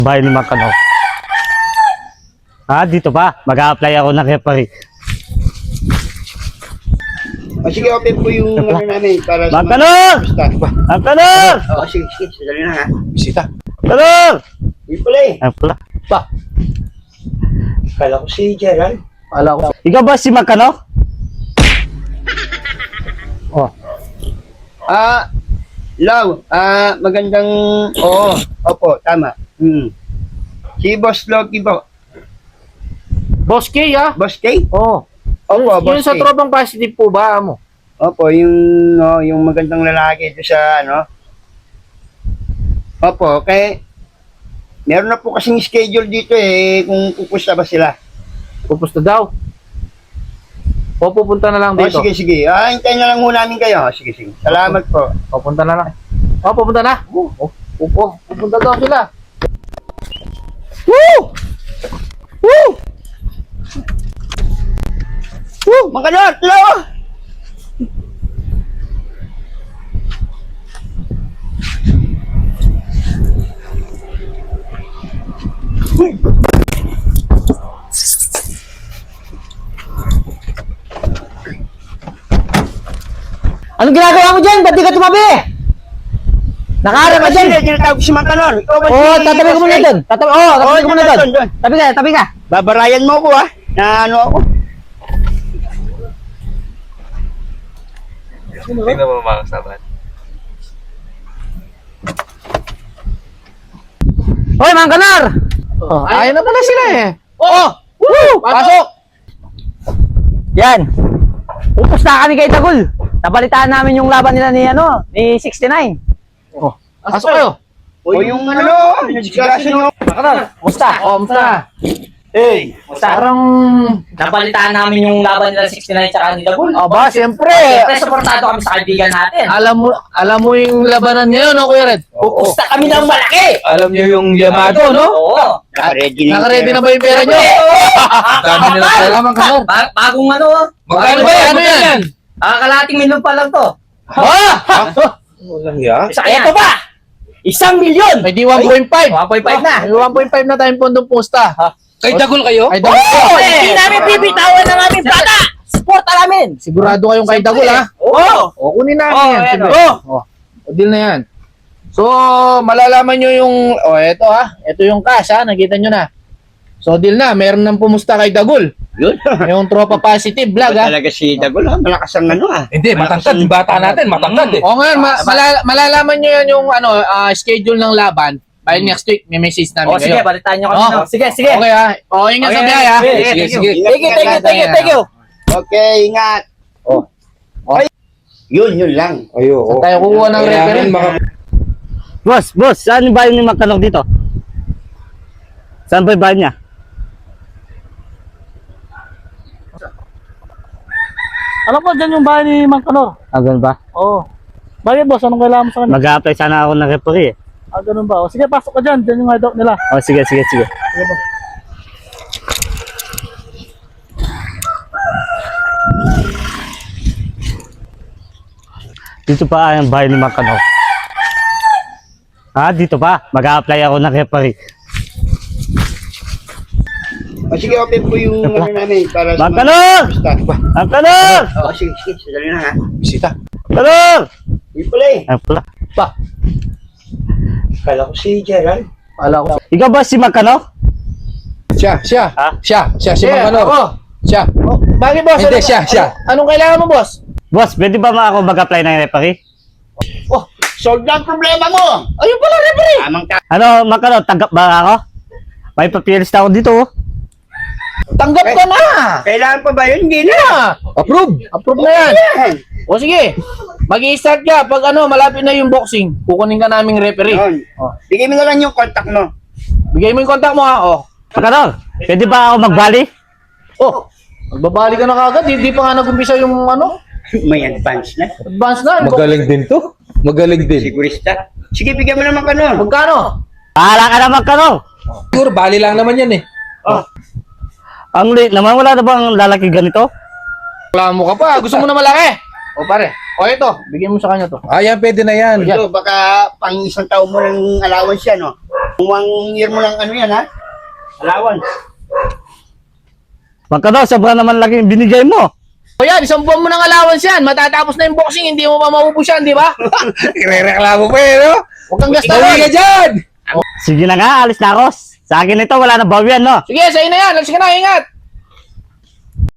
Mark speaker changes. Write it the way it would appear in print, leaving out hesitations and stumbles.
Speaker 1: Bahay ni Makano. Dito ba? Mag-a-apply ako ng referee.
Speaker 2: Sige, open po yung ano namin para sa
Speaker 1: Makano! Makano!
Speaker 2: Sige, sadali na ha.
Speaker 3: Bisita.
Speaker 1: Makano!
Speaker 2: Hindi pala eh.
Speaker 1: Ay pala.
Speaker 3: Pa.
Speaker 2: Kala ko si Gerald.
Speaker 3: Ala ko.
Speaker 1: Ikaw ba si Makano? Oh.
Speaker 2: Law, magandang, opo, tama. Si Boss Loki po.
Speaker 3: Boss K, ah?
Speaker 2: Boss K?
Speaker 3: Oo.
Speaker 2: Opo,
Speaker 3: Yung
Speaker 2: Boss
Speaker 3: sa
Speaker 2: K.
Speaker 3: tropang positive po ba mo?
Speaker 2: Opo, yung magandang lalaki doon sa, Opo, meron na po kasing schedule dito eh, kung pupusta ba sila.
Speaker 3: Pupusta daw. O pupunta na lang dito.
Speaker 2: Sige. Hintayin na lang muna namin kayo. Sige. Salamat po.
Speaker 3: Pupunta na lang. Pupunta na. Pupunta daw sila.
Speaker 2: Woo! Makanot! Hello!
Speaker 4: Anong ginagawa mo dyan? Ba't di ka tumabi? Nakaharap ka dyan.
Speaker 2: Tinatawag ko si Makanor.
Speaker 4: Tatabi ko muna doon. Tatabi ko muna doon.
Speaker 2: doon.
Speaker 4: Tabi ka.
Speaker 2: Babarayan mo ko na ano ako.
Speaker 5: Hindi na mo makasabat.
Speaker 4: Hoy, Mang Kanar!
Speaker 3: Ayun na pala sila eh.
Speaker 4: Pasok! Yan. Pupusta kami kay Tagul. Nabalitaan namin yung laban nila ni 69.
Speaker 3: Pasok kayo.
Speaker 2: O yung discussion nyo.
Speaker 4: Kumusta?
Speaker 3: Musta?
Speaker 2: Hey!
Speaker 3: Parang...
Speaker 4: Nabalitaan namin yung laban nila 69 tsaka ni Tagul.
Speaker 3: Aba, siyempre.
Speaker 4: Siyempre, supportado kami sa kaibigan natin.
Speaker 3: Alam mo yung labanan ngayon, no, Kuya Red?
Speaker 4: Pupusta kami ng malaki!
Speaker 5: Alam niyo yung Yamato, no?
Speaker 4: Oo.
Speaker 3: Nakaready na ba yung pera nyo?
Speaker 5: Dami nila pala.
Speaker 3: Salamat ka, Lord.
Speaker 4: Bagong
Speaker 5: Magkano ba yan? Ano yan?
Speaker 4: kalating milyon pa lang to.
Speaker 5: Walang ya.
Speaker 4: Ito ba? 1,000,000!
Speaker 3: May di 1.5.
Speaker 4: 1.5 na.
Speaker 3: May 1.5 na tayong pondong pusta.
Speaker 5: Kay Dagol kayo?
Speaker 3: Ay, Dagol.
Speaker 4: Hindi namin bibitawan ng aming bata! Suporta namin!
Speaker 3: Sigurado kayong kay Dagol, ha?
Speaker 4: Oo!
Speaker 3: O, kunin namin yan.
Speaker 4: ayan,
Speaker 3: Siyempre. O, deal na yan. So, malalaman nyo yung... eto ha. Ito yung cash, ha? Nakita nyo na. So, deal na. Meron nang pumusta kay Dagol.
Speaker 2: Yun.
Speaker 3: Yung tropa positive vlog, ha?
Speaker 2: Talaga si Dagol malakas ang
Speaker 5: Hindi, matangkad. Yung bata natin, matangkad eh.
Speaker 3: O, ngayon, malalaman nyo yan yung schedule ng laban. By next week, may message namin kayo.
Speaker 4: balitaan nyo kami.
Speaker 3: Oh.
Speaker 4: Sige.
Speaker 3: Okay, ha? O, ingat sa biyahe, ha?
Speaker 5: Sige.
Speaker 4: Thank you.
Speaker 2: Okay, ingat. Yun lang.
Speaker 5: Ayo.
Speaker 3: Saan tayo kukuha ng referee?
Speaker 1: Boss, saan yung bahay ni Makano dito? Saan ba yung bahay niya?
Speaker 6: Alam ko, dyan yung bahay ni Mang Kanor.
Speaker 1: Ganun ba?
Speaker 6: Oo. Bakit boss? Anong kailangan mo sa kanya?
Speaker 1: Mag-a-apply sana ako ng referee.
Speaker 6: Ganun ba? O, sige, pasok ka dyan. Dyan yung hideout nila.
Speaker 1: Sige.
Speaker 6: Sige boss.
Speaker 1: Dito pa ang bahay ni Makano. Dito ba? Mag-a-apply ako ng referee.
Speaker 2: Sige, open po yung ano namin para sa
Speaker 1: Makano! Makano!
Speaker 2: Sige, sadali na ha.
Speaker 3: Bisita.
Speaker 1: Makano!
Speaker 2: Hindi pala eh.
Speaker 1: Ay pala.
Speaker 3: Pa.
Speaker 2: Kala ko si Gerald.
Speaker 3: Ala ko.
Speaker 1: Ikaw ba si Makano?
Speaker 3: Siya.
Speaker 1: Ha?
Speaker 3: Siya, si
Speaker 2: Yeah,
Speaker 3: Mang Kanor.
Speaker 2: ako.
Speaker 3: Siya.
Speaker 2: Bakit boss?
Speaker 3: Hindi, siya.
Speaker 2: Anong kailangan mo boss?
Speaker 1: Boss, pwede ba ako mag-apply ng referee?
Speaker 2: Solve na ang problema mo. Ayun pala, referee. Tamang
Speaker 1: Ano, Makano, tanggap ba ako? May papilis na ako dito.
Speaker 3: Tanggap ka na.
Speaker 2: Kailangan pa ba yun? Hindi na.
Speaker 3: Approve na yan. O sige, mag-i-start ka. Pag malapit na yung boxing, kukunin ka naming referee.
Speaker 2: Yun. Bigay mo na lang yung contact mo.
Speaker 3: Bigay mo yung contact mo, ha.
Speaker 1: Makano, pwede ba ako magbali?
Speaker 3: Magbabali ka na kagad. Hindi pa nga nag-umpisa yung
Speaker 2: May advance na.
Speaker 3: advance na.
Speaker 5: Magaling din to. Magaling din.
Speaker 2: Sigurista. Sige, bigyan mo naman ka nun.
Speaker 3: Magkano?
Speaker 1: Pahala ka na, Makano.
Speaker 5: Siguro, bali lang naman yan eh.
Speaker 1: Ang late naman, wala na bang lalaki ganito?
Speaker 3: Reklamo ka pa. Gusto mo na malaki. O pare. O ito. Bigyan mo sa kanya to.
Speaker 5: Yan, pwede na yan.
Speaker 2: Ito, baka pang isang taon mo ng allowance yan, no? 1 year mo lang ano yan, ha? Allowance.
Speaker 1: Magkano, sobra naman lagi yung binigay mo.
Speaker 3: O yan, isang buwan mo ng allowance yan. Matatapos na yung boxing, hindi mo pa maubos yan, di ba?
Speaker 5: Irereklamo pa eh, no?
Speaker 3: Huwag kang gasta
Speaker 5: Uwi ka
Speaker 3: ron.
Speaker 5: dyan!
Speaker 1: Sige na nga, alis na ako. Sa akin ito, wala na bawian, no?
Speaker 3: Sige, sa'yo na yan. Alis ka na, ingat.